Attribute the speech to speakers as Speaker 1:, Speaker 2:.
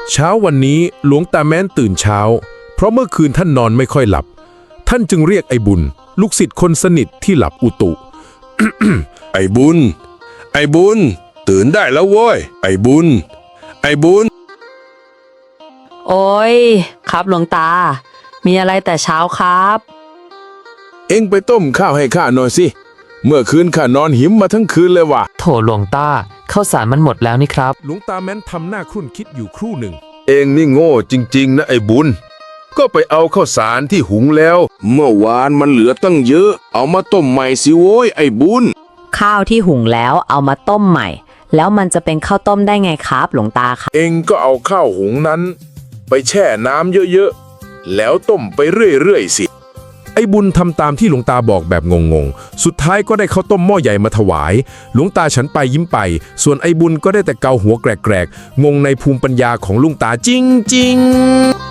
Speaker 1: เช้าวันนี้หลวงตาแม้นตื่นเช้าเพราะเมื่อคืนท่านนอนไม่ค่อยหลับท่านจึงเรียกไอ้บุญลูกศิษย์คนสนิทที่หลับอุตุ
Speaker 2: ไอ้บุญ ไอ้บุญ ตื่นได้แล้วโว้ย ไอ้บุญ ไอ้บุญ
Speaker 3: โอ้ยครับหลวงตา มีอะไรแต่เช้าครับ
Speaker 1: เอ็งไปต้มข้าวให้ข้าหน่อยสิเมื่อคืนข้านอนหิมมาทั้งคืนเลยว่ะ
Speaker 4: โถหลวงตาข้าวสารมันหมดแล้วนี่ครับ
Speaker 1: หลวงตาแม้นทำหน้าครุ่นคิดอยู่ครู่หนึ่ง
Speaker 2: เองนี่โง่จริงๆนะไอ้บุญ ก็ไปเอาข้าวสารที่หุงแล้ว เมื่อวานมันเหลือตั้งเยอะ เอามาต้มใหม่สิโว้ยไอ้บุญ
Speaker 3: ข้าวที่หุงแล้วเอามาต้มใหม่ แล้วมันจะเป็นข้าวต้มได้ไงครับหลวงตาครับ
Speaker 1: เอ็งก็เอาข้าวหุงนั้น ไปแช่น้ำเยอะๆแล้วต้มไปเรื่อยๆสิไอ้บุญทำตามที่หลวงตาบอกแบบงงๆสุดท้ายก็ได้ข้าวต้มหม้อใหญ่มาถวายหลวงตาฉันไปยิ้มไปส่วนไอ้บุญก็ได้แต่เกาหัวแกรกๆงงในภูมิปัญญาของลุงตาจริงๆ